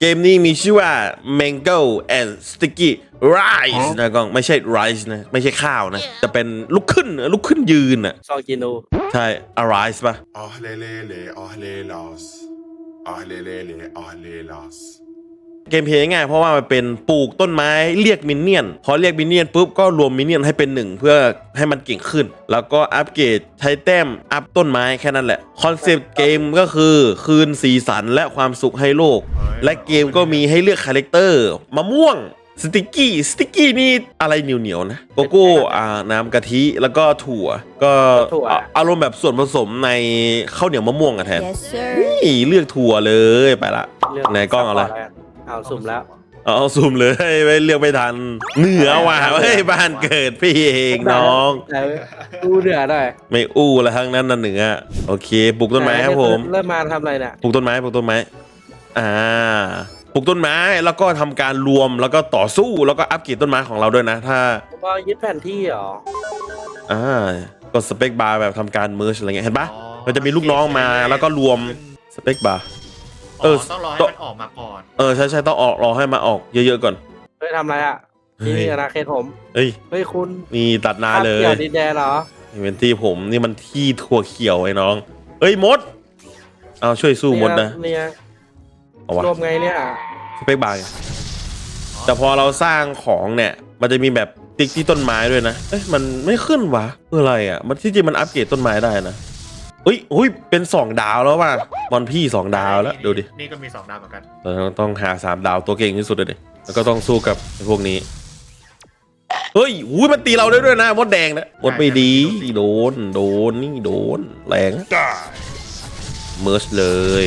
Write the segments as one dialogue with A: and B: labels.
A: เกมนี้มีชื่อว่า Mango and Sticky Rice นะกล้องไม่ใช่ rice นะไม่ใช่ข้าวนะจะเป็นลุกขึ้นยืนอ่ะ
B: ซองกินู
A: ใช่ arise ป่ะ
C: Ahlelele, ahlelas. Ahlelele, ahlelas.
A: เกมเพลย์ง่ายเพราะว่ามันเป็นปลูกต้นไม้เรียกมินเนี่ยนพอเรียกมินเนี่ยนปุ๊บก็รวมมินเนี่ยนให้เป็นหนึ่งเพื่อให้มันเก่งขึ้น แล้วก็อัปเกรดใช้แต้มอัพต้นไม้แค่นั้นแหละคอนเซปต์เกมก็คือคืนสีสันและความสุขให้โลก และเกมก็มีให้เลือกคาแรคเตอร์มะม่วงสติกกี้นี่อะไรเหนียวนะโกโก้น้ำกะทิแล้วก็ถั่วก็อารมณ์แบบส่วนผสมในข้าวเหนียวมะม่วงอะแทน
D: Yes sir
A: นี่เลือกถั่วเลยไปละไหนกล้องเอาอะไร
B: เอาสุ่มแล้ว
A: เอาซูมเลยไม่เลือกไม่ทันเหนือว่ะเฮ้ยบ้านเกิดพี่เองน้อง
B: ดูเหนือหน่อย
A: ไม่อู้แล้วทั้งนั้นน่ะเหนือโอเคปลูกต้นไม้ครับผม
B: เริ่มมาทำอะไรเนี่ย
A: ปลูกต้นไม้ปลูกต้นไม้ปลูกต้นไม้แล้วก็ทำการรวมแล้วก็ต่อสู้แล้วก็อัปเกรดต้นไม้ของเราด้วยนะถ้า
B: ก็ยึดแผนที่เหรอ
A: กดสเปคบาร์แบบทำการเมิร์ชอะไรเงี้ยเห็นปะมันจะมีลูกน้องมาแล้วก็รวมสเปคบาร์
E: ต้องรอให้มันออกมาก่อน
A: ใช่ต้องออกรอให้มาออกเยอะๆก่อน
B: เฮ้ยทำอะไรอ่ะนี่อาณาเขตผม
A: เฮ้ย
B: คุณ
A: มีตัดนาเลย
B: เกี่ยวดินแดนเหรอ
A: เป็นที่ผมนี่มันที่ถั่วเขียวไอ้น้องเอ้ยมดเอาช่วยสู้มดนะ
B: เนี่ย
A: เอาวะ
B: รวมไงเนี่ย
A: สเปคบาร์ไงแต่พอเราสร้างของเนี่ยมันจะมีแบบติ๊กที่ต้นไม้ด้วยนะเอ้ยมันไม่ขึ้นวะเพื่ออะไรอ่ะมันที่จริงมันอัปเกรดต้นไม้ได้นะอุ้ยเป็น2ดาวแล้วว่ะบอลพี่2ดาวแล้วดูดิ
E: นี่ก็มี2 ดาวเหมือนกัน
A: เราต้องหา3ดาวตัวเก่งที่สุดเลยดิแล้วก็ต้องสู้กับไอ้พวกนี้เฮ้ยอุ้ยมันตีเราได้ด้วยนะมดแดงนะมดไม่ดีโดนนี่โดนแรงเมิร์ชเลย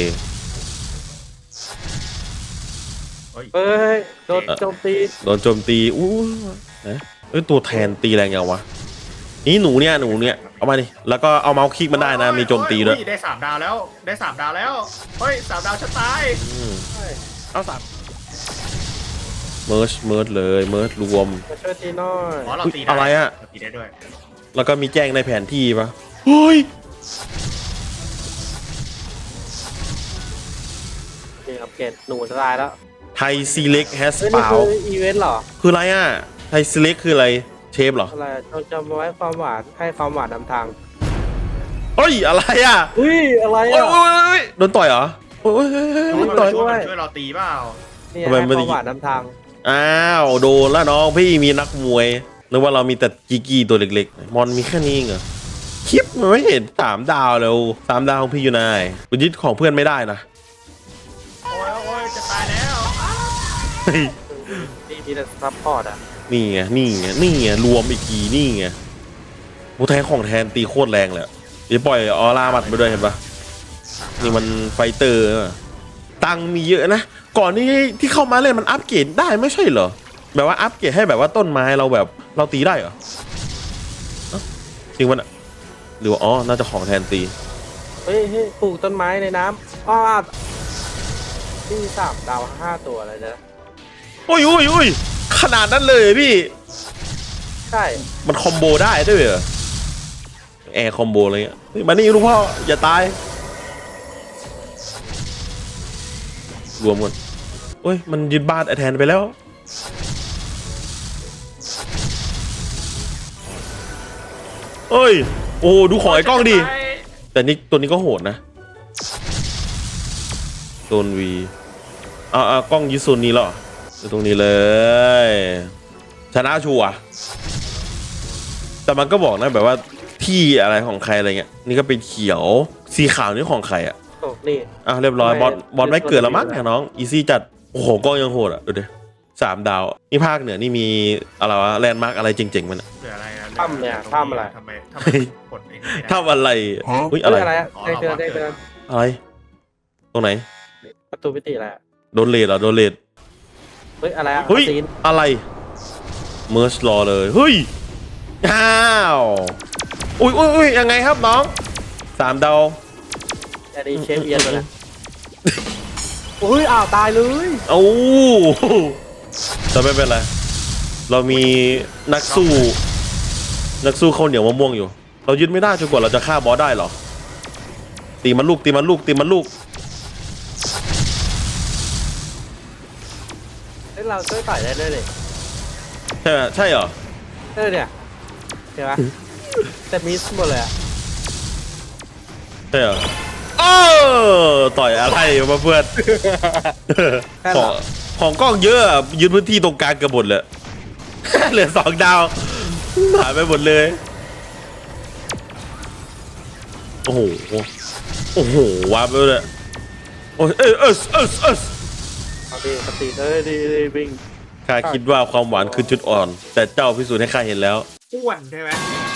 B: เฮ้ยโดนโจมตี
A: โดนโจมตีอู้นะตัวแทนตีแรงยังวะนี่หนูเนี่ยเอามาดิแล้วก็เอาเมาส์คลิกมันได้นะมีโจมตีด้วย
E: ได้3 ดาวแล้วได้3 ดาวแล้วเฮ้ย3 ดาวฉันตาย
A: เอา3เมิร์ชเลยเมิร์ชรวม
B: มาช่วยตีหน่อย
E: เราตีได้
A: อะไรอะ
E: เราตีได้ด้วย
A: แล้วก็มีแจ้งในแผนที่ปะเฮ้ย
B: นี่อัปเกรดหนูจะตายแล้ว
A: ไทยซีเล็กแฮส
B: เฮ้ย
A: เป
B: นี่
A: ล่า
B: คืออีเวนต์เหรอ
A: คืออะไรอ่ะไทยซีเล็กคืออะไรเชฟเหรอ
B: อะไรจำไว้ความหวานให้ความหวานนำทาง
A: เฮ้ยอะไรอ่ะ
B: อุ้ยอะไร
A: โอ้
B: อ่ะ
A: ยโดนต่อยเหรอโอ้ยโดนต่อย
E: ช่วยเราตีเปล่า
B: นี่
A: ทำไม
B: ให้
A: ไม่
B: ค
A: ได้
B: วามหวานนำทาง
A: อ้าวโดนแล้วน้องพี่มีนักมวยนึกว่าเรามีแต่กีตัวเล็กๆมอนมีแค่นี้เหรอคลิปมันไม่เห็น3 ดาวแล้ว3 ดาวของพี่อยู่ไหนคุณยึดของเพื่อนไม่ได้นะ
E: โอ้ยจะตายแล้ว
B: นี่มีแต่ซัพพอร์ตอ่ะ
A: นี่ไงรวมอีกทีนี่ไงโมแทนของแทนตีโคตรแรงเลยเดี๋ยวปล่อยออร่ามัดไปด้วยเห็นปะนี่มันไฟเตอร์ตังมีเยอะนะก่อนที่เข้ามาเล่นมันอัปเกรดได้ไม่ใช่เหรอแบบว่าอัปเกรดให้แบบว่าต้นไม้เราแบบเราตีได้เหรอจริงมันอะหรือว่าน่าจะของแทนตี
B: เฮ้ยปลูกต้นไม้ในน้ำนี่3 ดาว 5 ตัวเลยนะ
A: โอ้ยขนาดนั้นเลยพี่
B: ใช่
A: มันคอมโบได้ด้วยเหรอแอร์คอมโบอะไรเงี้ยเฮ้ยมานี่ลูกพ่ออย่าตายรวมกันโอ้ยมันยึดบ้านไอแทนไปแล้วเอ้ยโอ้ดูของไอ้กล้องดิแต่นี่ตัวนี้ก็โหดนะโซนวีกล้องยึดโซนนี้แล้วตรงนี้เลยชนะชัวร์แต่มันก็บอกนะแบบว่าที่อะไรของใครอะไรเงี้ยนี่ก็เป็นเขียวสีขาวนี่ของใครอ่ะ
B: โอ้นี่
A: เรียบร้อยบอลไม่เกิดแล้วมั้งน้องอีซี่จัดโอ้โหกล้องยังโหดอ่ะดูดิ3 ดาวนี่ภาคเหนือนี่มีอะไรวะแลนด์มาร์กอะไรเจ๋งๆมัน
E: เหลืออะไรนะ
B: ถ้ำเนี่ยถ้ำอะไร
E: ทำไมกดเอง
A: ทำอะไรอุ้ย
B: เฮ้
A: อะไร
B: ยอะไรอะได้เตือน
A: อะไรตรงไหน
B: ประตูมิติอะไรอะ
A: โดนเลดเหรอโดนเลด
B: เฮ้ยอะไรอะ
A: เฮ้ย
B: ซีน
A: อะไรเมิร์ชรอเลยเฮ้ยอ้าวอุ้ยยังไงครับน้อง3 ดาว
B: อันนี้เชฟเอียนเลยนะอุ้ยตายเลย
A: เอ้าแต่ไม่เป็นไรเรามีนักสู้ข้าวเหนียวมะม่วงอยู่ เรายึดไม่ได้จนกว่าเราจะฆ่าบอสได้หรอตีมันลูก
B: เฮ้ยเราช่วยต่อยได้ด้วยเลย
A: ใช่ไหมใช่เหรอ
B: เนี่ยเห็นไหมแต่มิสหมดเลยอะ
A: ใช่เหรอเออต่อยอะไรมาเพื่อน
B: แค่
A: ข
B: หร
A: อง
B: อ
A: ของกล้องเยอะอะยึดพื้นที่ตรงกลางเกือบหมดเลย เหลือ2 ดาวหายไปหมดเลย โอ้โห โอ้โหวาร์ปไปเลยโอ้ย
B: เอาดีสติดีวิ่ง
A: ข้าคิดว่าความหวานคือจุดอ่อน แต่เจ้าพิสูจน์ให้ข้าเห็นแล้ว
E: อ้วนใช่ไหม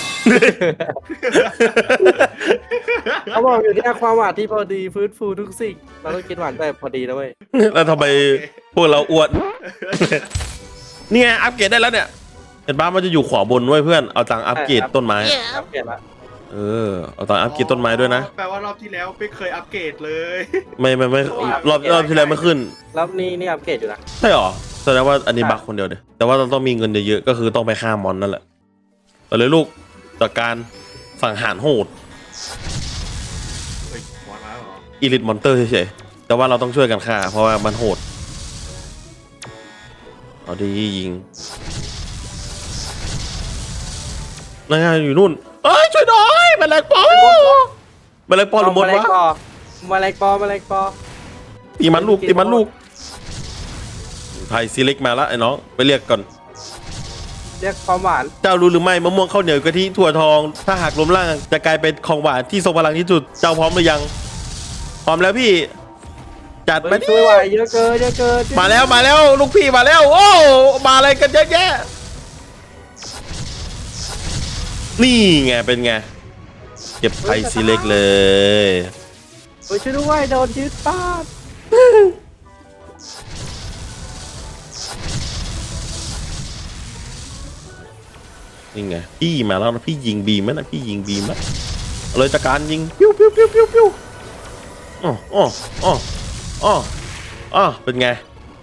B: เขาบอกอยู่ที่ความหวานที่พอดีฟื้นฟูทุกสิ่งเราต้องกินหวานแต่พอดีนะเว้ย
A: แล้วทำไมพวกเราอ้วน นี่ไงอัปเกรดได้แล้วเนี่ย เห็นบ้ามันจะอยู่ขวาบนด้วยเพื่อน เอาตังค์อัปเกรดต้นไม้
B: อัปเกรดละ
A: เอาตังค์อัปเกรดต้นไม้ด้วยนะ
E: แปลว่ารอบที่แล้วไม่เคยอัปเกรดเลย
A: ไม่รอบที่แล้วไม่ขึ้น
B: แล้วนี่อัปเกรดอยู่นะ
A: ใช่หรอแสดงว่าอันนี้บักคนเดียวเดียแต่ว่าเราต้องมีเงินเยอะๆก็คือต้องไปฆ่ามอนนั่นแหละไปเลยลูกจากการสังหารโหด
E: เฮ้ยหมอนมาแล้วเหรอ
A: อีลิทมอนเตอร์เฉยๆแต่ว่าเราต้องช่วยกันฆ่าเพราะว่ามันโหดเอาดียิงนั่นไงอยู่นู่นเอ้ยช่วยหน่อยแมลงปอแมลงปอหรือมดวะ
B: มาแรงปอ
A: ตีมันลูกไผ่ซีเล็กมาแล้วไอ้น้องไปเรียกก่อน
B: เรียกความหวาน
A: เจ้ารู้หรือไม่มะม่วงข้าวเหนียวกะทิถั่วทอง ถ้าหากล้มล่างจะกลายเป็นของหวานที่ทรงพลังที่สุดเจ้าพร้อมหรือยังพร้อมแล้วพี่จัดมาดิ
B: ช่วยไหวเยอะเกิน
A: มาแล้วลูกพี่มาแล้วโอ้มาอะไรกันเยอะแยะนี่ไงเป็นไงเก็บไผ่ซีเล็กเลย
B: ช่วยด้วยโดนยึดบ้าน
A: นี่ไงพี่มาแล้วนะพี่ยิงบีมไหมนะพี่ยิงบีมไหมเอาเลยจากการยิงปิ้วอ๋อเป็นไง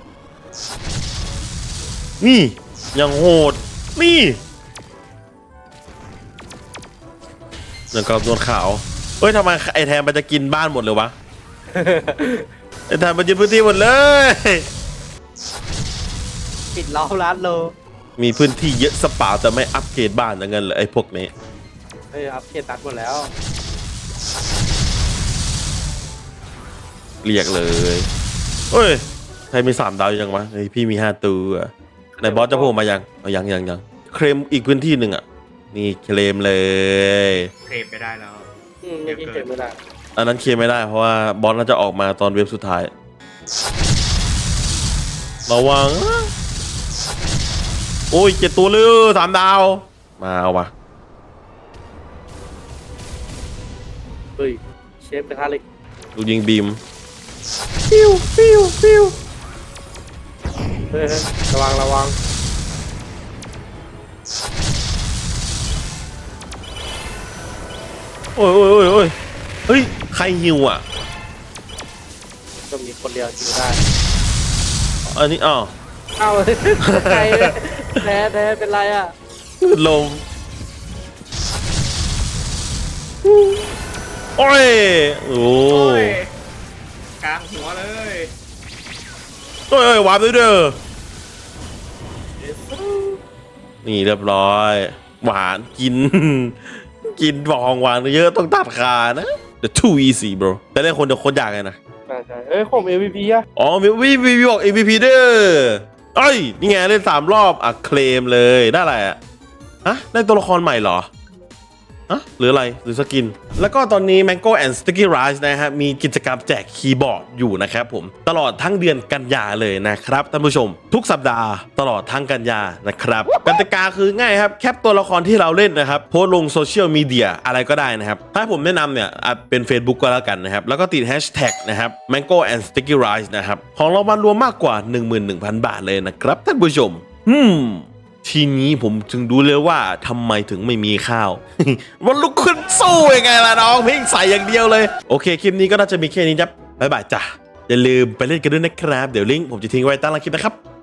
A: นี่ยังโหดนี่แล้วก็โดนขาวเฮ้ยทำไมไอแทนมันจะกินบ้านหมดเลยวะ ไอแทนมันยึดพื้นที่หมดเลย
B: ปิดล้อมร้านโล
A: มีพื้นที่เยอะสเปล่าแต่ไม่อัปเกรดบ้านอย่างเงี้ยเลยไอพวกนี้
B: อัปเกรดตัดหมดแล้ว
A: เรียกเลยเฮ้ยใครมี3 ดาวยังวะเฮ้ยพี่มี5 ตัวไหนบอสจะโผล่มายังเอายังเคลมอีกพื้นที่หนึ่งอ่ะนี่เคลมเลย
E: เทปไม่ได้แล้ว
B: ไม่กินเก็บไม่ได้
A: อันนั้นเคลมไม่ได้เพราะว่าบอสน่าจะออกมาตอนเว็บสุดท้ายระวังโอ้ย7 ตัวเลย3 ดาวมาเอาวะ
B: เฮ้ยเชฟกระทะเหล็ก
A: ดูยิงบีม
B: เฮ้ยระวัง
A: โอ้ยเฮ้ยใครฮิวอ่ะ
B: ก็มีคนเดียวกินได้
A: อันนี้อ้าว
B: เอ้าใครแท้เป็นไรอ่ะ
A: ลงโอ้ยโอ้
E: โอ้ยกลางหัวเลย
A: โอ้ยวาร์ปด้วยเด้อนี่เรียบร้อย หวานกิน กินของหวานเยอะต้องตัดขานะ The too easy bro แต่เล่นคนเดียวโคตรยากเลยนะ
B: ใช่ผม MVP อ่ะ
A: อ๋อมีบอก MVP เด้อเอ้ยนี่ไงเล่น3 รอบอ่ะเคลมเลยได้อะไรอ่ะฮะได้ตัวละครใหม่เหรออะหรืออะไรหรือสกินแล้วก็ตอนนี้ Mango and Sticky Rice นะฮะมีกิจกรรมแจกคีย์บอร์ดอยู่นะครับผมตลอดทั้งเดือนกันยาเลยนะครับท่านผู้ชมทุกสัปดาห์ตลอดทั้งกันยานะครับกติกาคือง่ายครับแคปตัวละครที่เราเล่นนะครับโพสต์ลงโซเชียลมีเดียอะไรก็ได้นะครับถ้าผมแนะนำเนี่ยอาจเป็น Facebook ก็แล้วกันนะครับแล้วก็ติดแฮชแท็กนะครับ Mango and Sticky Rice นะครับของรางวัลรวมมากกว่า 11,000 บาทเลยนะครับท่านผู้ชมทีนี้ผมจึงดูเลยว่าทำไมถึงไม่มีข้าว มันลุกขึ้นสู้ยังไงล่ะน้องเพ่งใส่อย่างเดียวเลยโอเคคลิปนี้ก็น่าจะมีแค่นี้ครับบ๊ายบายจ้ะอย่าลืมไปเล่นกันด้วยนะครับเดี๋ยวลิงก์ผมจะทิ้งไว้ใต้ล่างคลิปนะครับ